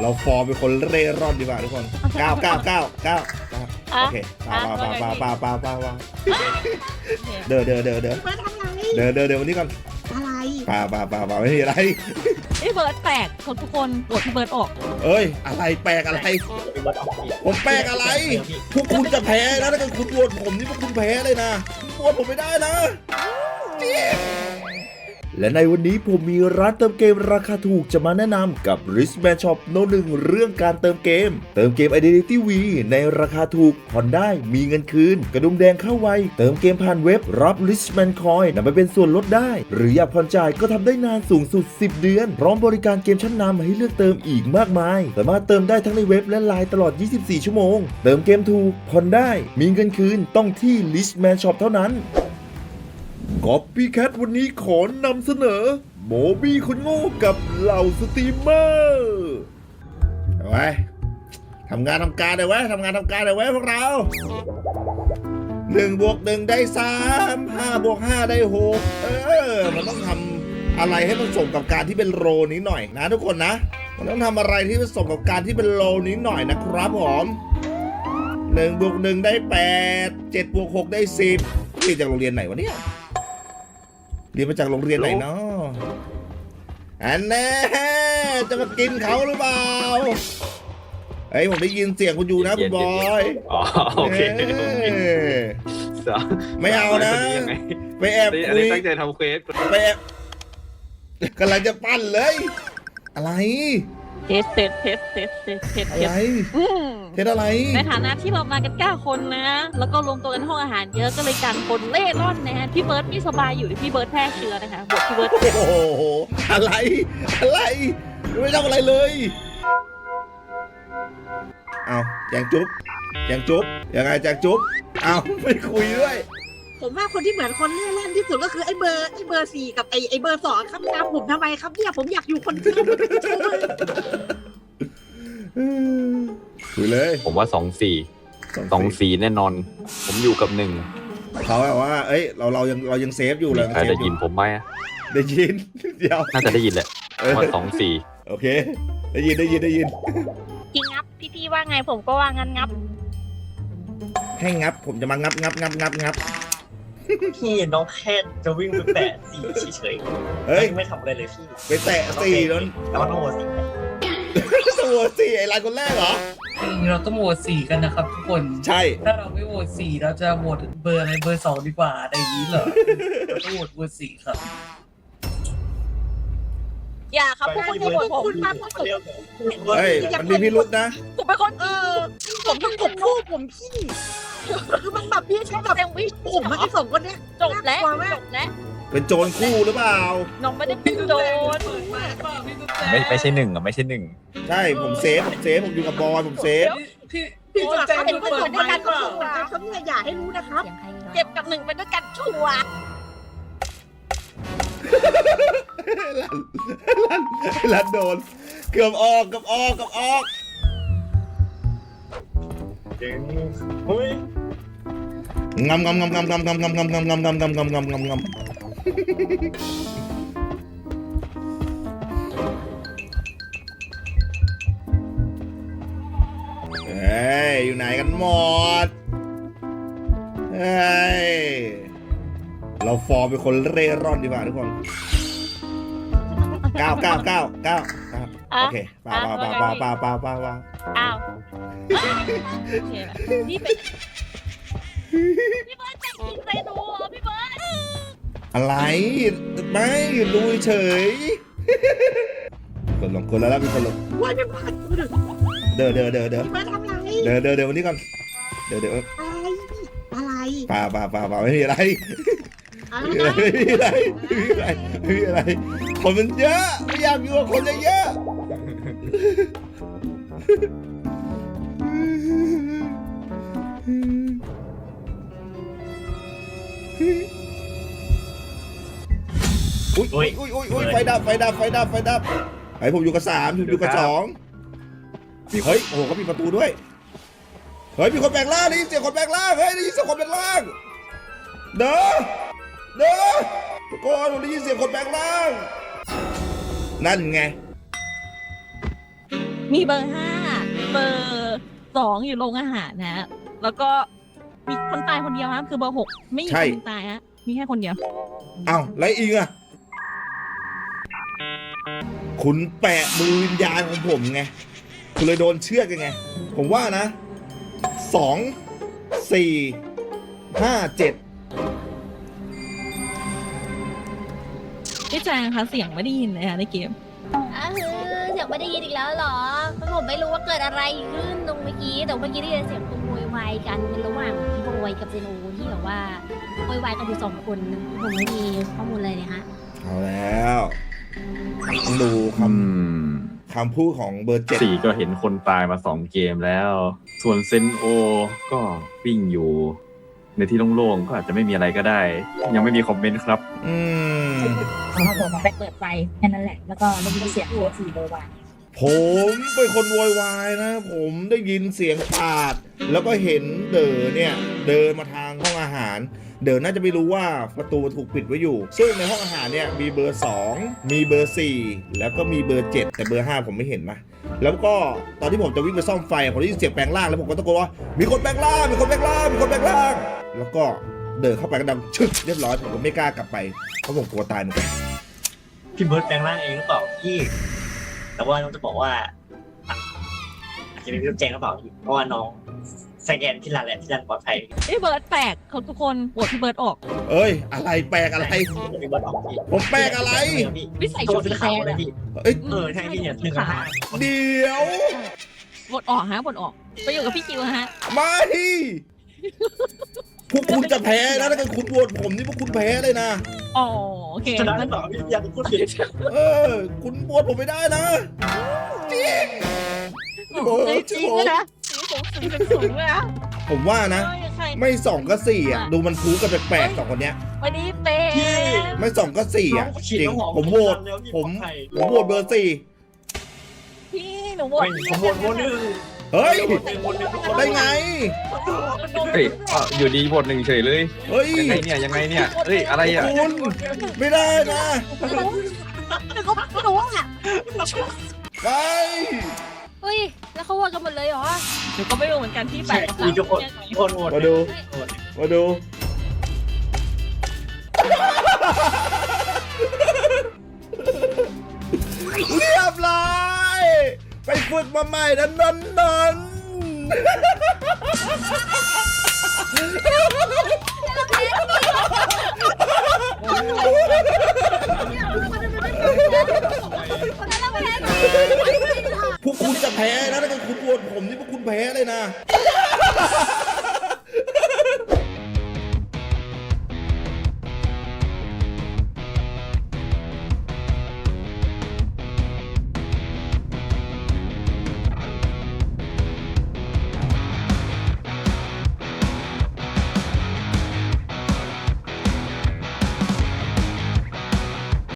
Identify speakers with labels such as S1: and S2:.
S1: เราฟอร์มเป็นคนเร่ร่อนดีกว่าทุกคน9 โอเคป่าเดินวันนี้ก่อน
S2: อะไร
S1: ป่าไม่มีอะไร
S3: พี่เบิร์ดแปลกคนทุกคนโหวตพี่เบิร์ดออก
S1: เอ้ยอะไรแปลกอะไรผมแปลกอะไรพวกคุณจะแพ้นะถ้าเกิดคุณโหวตผมนี่พวกคุณแพ้เลยนะโหวตผมไม่ได้นะจริงและในวันนี้ผมมีร้านเติมเกมราคาถูกจะมาแนะนำกับ Richman Shop โน้ตหนึ่งเรื่องการเติมเกม Identity V ในราคาถูกผ่อนได้มีเงินคืนกระดุมแดงเข้าไวเติมเกมผ่านเว็บรับ Richman Coin นำไปเป็นส่วนลดได้หรืออยากผ่อนจ่ายก็ทำได้นานสูงสุด10 เดือนพร้อมบริการเกมชั้นนำให้เลือกเติมอีกมากมายสามารถเติมได้ทั้งในเว็บและไลน์ตลอด24 ชั่วโมงเติมเกมถูกผ่อนได้มีเงินคืนต้องที่ Richman Shop เท่านั้นCopycat วันนี้ขอนำเสนอโมบี้คนโง่กับเหล่าสตรีมเมอร์เอาไว้ทำงานทำการเลยไว้ทำงานทำการเลยไว้พวกเรา1+1ได้3 5+5ได้6มันต้องทำอะไรให้มันสมกับการที่เป็นโรนี้หน่อยนะทุกคนนะมันต้องทำอะไรที่มันสมกับการที่เป็นโรนี้หน่อยนะครับผม1+1ได้8 7+6ได้10นี่จากโรงเรียนไหนวะเนี่ยเรียนมาจากโรงเรียนไหนเนาะอันแน่จะมากินเขาหรือเปล่าเฮ้ยผมได้ยินเสียงคุณอยู่นะคุณบอย
S4: อ๋อโอเค
S1: ไม่เอานะไปแอบคุย
S4: ตั้งใจทำเควส
S1: ไปแอบกำลังจะปั้นเลยอะไร
S3: เทสอะไร
S1: เทสอะไร
S3: ในฐานะที่เรามากัน9 คนนะแล้วก็รวมตัวกันห้องอาหารเยอะก็เลยกันคนเล่ร่อนนะฮะพี่เบิร์ดไม่สบายอยู่ที่พี่เบิร์ดแพร่เชื้อนะคะบทพี่เบิร์ด
S1: โอ้โหอะไรไม่ทำอะไรเลยเอาแจงจุ๊บยังไงแจงจุ๊บเอาไม่คุยด้วย
S2: ผมว่าคนที่เหมือนคนเล่ร่อนที่สุดก็คือไอ้เบอร์4กับไอ้เบอร์ 2ครับตามผมทำไมครับเนี่ยผมอยากอยู่คนเดียวไม่เป็นชู้เลย
S1: คุยเลย
S4: ผมว่า2-4แน่นอนผมอยู่กับ1
S1: เขาแบบว่าเอ้ยเรายังเซฟอยู่เลย
S4: ใครได้ยินผมไหม
S1: ได้ยินเดี๋ยว
S4: น่าจะได้ยินแหละว่า2-4
S1: โอเคได้ยิน
S3: จริงงับพี่ว่าไงผมก็ว่างั้นงับ
S1: ให้งับผมจะมางับ
S5: พี่น้องแค่จะวิ่งไปแตะ4เฉยๆเฮ้ยไม่ทำอะไรเลยพี่
S1: ไปแตะ4แล้ว
S5: ต้องโหวต
S1: ตัว4ไอ้รายคนแรกเหรอ
S6: เราต้องโหวต4กันนะครับทุกคน
S1: ใช่
S6: ถ้าเราไม่โหวต4เราจะโหวตเบอร์อะไรเบอร์2ดีกว่าอะไรอย่างนี้เหรอเราต้องโหวตเบอร์4ครับ
S3: อย่าครับพวกคุณโหวตผม
S1: เฮ้ยมันมีพิรุธนะ
S3: ผมเป็นคน
S2: ผมต้องกบคู่ผมพี่คือมันแบบพี่ใช่แบบผมไม่ได้ส่งคนเนี้ย
S3: จบแล้ว
S1: เป็นโจรคู่หรือเปล่า
S3: น้องไม่ได้เป็นโจร
S4: ไม่ใช่1อ่ะไม่ใช่1
S1: ใช่ผมเซฟผมอยู่กับบอยผมเซฟ
S2: พี่จะใจเป็นคนในการส่งเขาเนี่ยอย่าให้รู้นะครับ
S3: เก็บกับ1ไปด้วยกันชัวร์
S1: ลันโดนเกือบออก
S5: เจ๋งเฮ้ย
S1: งำเฮ้ยอยู่ไหนกันหมดเฮ้ยเราฟอร์มเป็นคนเร่ร่อนดีกว่าทุกคน9โอเคป่า
S3: อ้าวนี่เป็นพี่เบิร์ดใจจริงใจดูพี่เบิร์ด
S1: อะไรไม่ดูเฉยคนลงคนแล้วมีคนลง
S2: ว่าไม่ผ่าน
S1: เดิน
S2: มาทำไร
S1: เดินวันนี้ก่อนเดิน
S2: อะไร
S1: ป่าไม่มีอะไรคนมันเยอะไม่อยากอยู่กับคนเยอะอุ้ยไฟดับไอ้ผมอยู่กับ3อยู่กับ2เฮ้ยโอ้โหเขามีประตูด้วยเฮ้ยมีคนแปลงร่างได้ยินเสียงคนแปลงร่างเฮ้ยได้ยินเสียงคนแปลงร่างเด้อทุกคนผมได้ยินเสียงคนแปลงร่างนั่นไง
S3: มีเบอร์ 5 เบอร์ 2 อยู่โรงอาหารนะ แล้วก็มีคนตายคนเดียวครับคือเบอร์ 6 ไม่มีคนตายฮะมีแค่คนเดียว
S1: เอ้าไรอีกอะคุณแปะมือวิญญาณของผมไงคุณเลยโดนเชือกยังไง ผมว่านะ 2 4 5 7
S3: พี่แจงคะเสียงไม่ได้ยินเลยค่ะในเกม
S7: เสียงไม่ได้ยินอีกแล้วเหรอผมไม่รู้ว่าเกิดอะไรขึ้นตรงเมื่อกี้แต่เมื่อกี้ได้ยินเสียงคนโวยวายกันเป็นระหว่างพี่โวยกับเจโนที่แบบว่าโวยวายกันอยู่2 คนผมไม่มีข้อมูลเลยเนี่ยฮะ
S1: เอาแล้วต้องดูคำพูดของเบอร์7
S4: สี่ก็เห็นคนตายมา2 เกมแล้ว ส่วนเซนโอก็วิ่งอยู่ ในที่โล่งๆก็อาจจะไม่มีอะไรก็ได้ ยังไม่มีคอมเมนต์ครับ
S7: ผมไปเปิดไฟแค่นั้นแหละแล้วก็ได้ยินเสียงตัว4โวยวาย
S1: ผมเป็นคนโวยวายนะ ผมได้ยินเสียงปาด แล้วก็เห็นเด๋อเนี่ยเดินมาทางห้องอาหาร เด๋อน่าจะไม่รู้ว่าประตูถูกปิดไว้อยู่ ซึ่งในห้องอาหารเนี่ยมีเบอร์ 2 มีเบอร์ 4 แล้วก็มีเบอร์ 7 แต่เบอร์ 5 ผมไม่เห็นนะแล้วก็ตอนที่ผมจะวิ่งไปซ่อมไฟผมได้ยินเสียงแปลงร่างแล้วผมก็ตะโกนว่ามีคนแปลงร่างมีคนแปลงร่างมีคนแปลงร่างแล้วก็เดินเข้าไปก็ดังชึกเรียบร้อยผมก็ไม่กล้ากลับไปเพราะผมกลัวตายเหมือนกัน
S5: พี่เบิร์ดแปลงร่างเองหรือเปล่าพี่แต่ว่าน้องจะบอกว่าอาจจะเป็นพี่แจงหรือเปล่าพี่เพราะว่าน้องสแกนที่ร้านแหละที่ร้านปลอดภัย
S3: พี่เบิร์ดแปลกเขาทุกคนโหวตพี่เบิร์ดออก
S1: เอ้ยอะไรแปลกอะไร
S5: พี่เบิร์ดออกพี่
S1: ผมแปลกอะไร
S3: วิสัย
S5: โท
S3: ชุ
S5: ร
S3: ด
S5: ซื้
S3: สี
S5: อ
S3: แด
S5: ข่าว
S3: ง
S5: เลยพี่
S1: เอ้ย
S5: ใช่พี่เนี่ย1 กับ 5
S1: เดี๋ยว
S3: โหวตออกฮะโหวตออกไปอยู่กับพี่คิวฮะ
S1: มาที่พวกคุณจะแพ้นะถ้าเกิดคุณโหวตผมนี่พวกคุณแพ้เลยนะ
S3: อ๋อโอเค
S5: ชนะหรือเปล่าพี่อยากพูดผิด
S1: คุณโหวตผมไม่ได้นะจริง
S3: เฮ้ยจริงเลยนะสีผมสูงเลยนะ
S1: ผมว่านะ
S3: ใคร
S1: ไม่2ก็4อ่ะดูมันพูกันแปลกๆ2 คนเนี้ย
S3: วันนี้เป็น
S1: ไม่2ก็4อ่ะจริงผมโหวตผมโหวตเบอร์ 4
S3: พี่หนูโหวต
S5: ผมโหวตโหวตหนึ่ง
S1: เฮ้ย
S5: โหวตหนึ่ง
S1: ได้ไง
S4: เฮ้ยอยู่ดีบท1เฉยเลย
S1: เฮ้ย
S4: ยังไงเนี่ยยังไงเนี่ยเฮ้ยอะไรอ่ะ
S1: คุณไม่ได้นะ
S7: ไม่รู้อ่ะ
S1: ไป
S7: เฮ้ยแล้วเขาโหวตกันหมดเลยเหรอ
S3: หนูก็ไม่รู้เหมือนกันที่แปล
S5: ใช่
S3: ก
S5: มีทุกคนโหวต
S1: มาดูมาดูเรียบร้อยไปฝึกมาใหม่นะนนพวกคุณจะแพ้นะถ้าเกิดคุณโหวตผมนี่พวกคุณแพ้เลยนะ